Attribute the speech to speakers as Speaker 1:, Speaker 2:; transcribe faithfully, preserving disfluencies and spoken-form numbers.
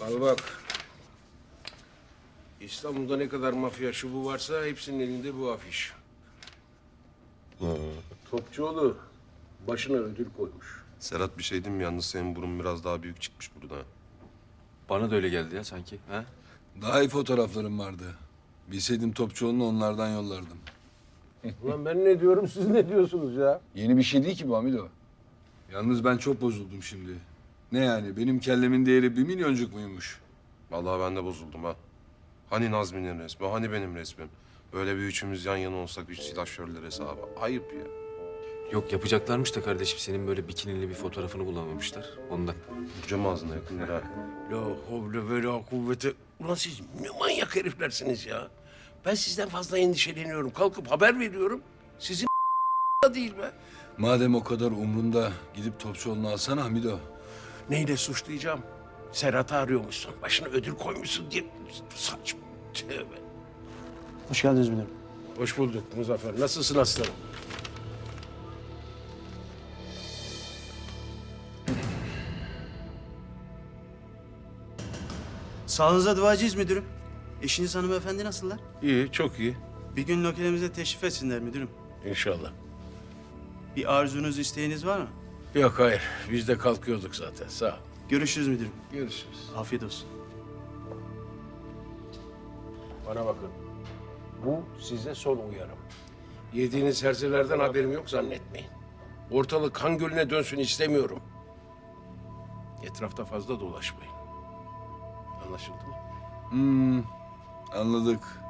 Speaker 1: Al bak. İstanbul'da ne kadar mafya şubu varsa hepsinin elinde bu afiş. Topçuoğlu başına ödül koymuş.
Speaker 2: Serhat bir şey diyeyim mi? Yalnız senin burun biraz daha büyük çıkmış burada.
Speaker 3: Bana da öyle geldi ya sanki. Ha?
Speaker 4: Daha iyi fotoğraflarım vardı. Bilseydim Topçuoğlu'nu onlardan yollardım.
Speaker 1: Ulan ben ne diyorum, siz ne diyorsunuz ya?
Speaker 4: Yeni bir şey değil ki bu Hamido. Yalnız ben çok bozuldum şimdi. Ne yani? Benim kellemin değeri bir milyoncuk muymuş?
Speaker 2: Vallahi ben de bozuldum ha. Hani Nazmi'nin resmi, hani benim resmim? Böyle bir üçümüz yan yana olsak üç silahşörler hesabı. Ayıp ya.
Speaker 3: Yok yapacaklarmış da kardeşim senin böyle bikinili bir fotoğrafını bulamamışlar. Ondan.
Speaker 2: Cam ağzına yakındır ha.
Speaker 1: La havle ve la kuvvete. Ulan siz ne manyak heriflersiniz ya. Ben sizden fazla endişeleniyorum. Kalkıp haber veriyorum. Sizin da değil be.
Speaker 4: Madem o kadar umrunda gidip Topçuoğlu'nu alsana Hamido.
Speaker 1: Neyle suçlayacağım? Serhat'ı arıyormuşsun. Başına ödül koymuşsun diye. Saçma. Tövbe.
Speaker 5: Hoş geldiniz müdürüm.
Speaker 1: Hoş bulduk Muzaffer. Nasılsın aslanım?
Speaker 5: Sağlığınıza duacıyız müdürüm. Eşiniz hanımefendi nasıllar?
Speaker 1: İyi, çok iyi.
Speaker 5: Bir gün lokalimize teşrif etsinler müdürüm.
Speaker 1: İnşallah.
Speaker 5: Bir arzunuz, isteğiniz var mı?
Speaker 1: Yok hayır. Biz de kalkıyorduk zaten. Sağ ol.
Speaker 5: Görüşürüz müdürüm.
Speaker 1: Görüşürüz.
Speaker 5: Afiyet olsun.
Speaker 1: Bana bakın. Bu size son uyarım. Yediğiniz herzelerden haberim yok zannetmeyin. Ortalık kan gölüne dönsün istemiyorum. Etrafta fazla dolaşmayın. Anlaşıldı mı?
Speaker 4: Hmm, anladık.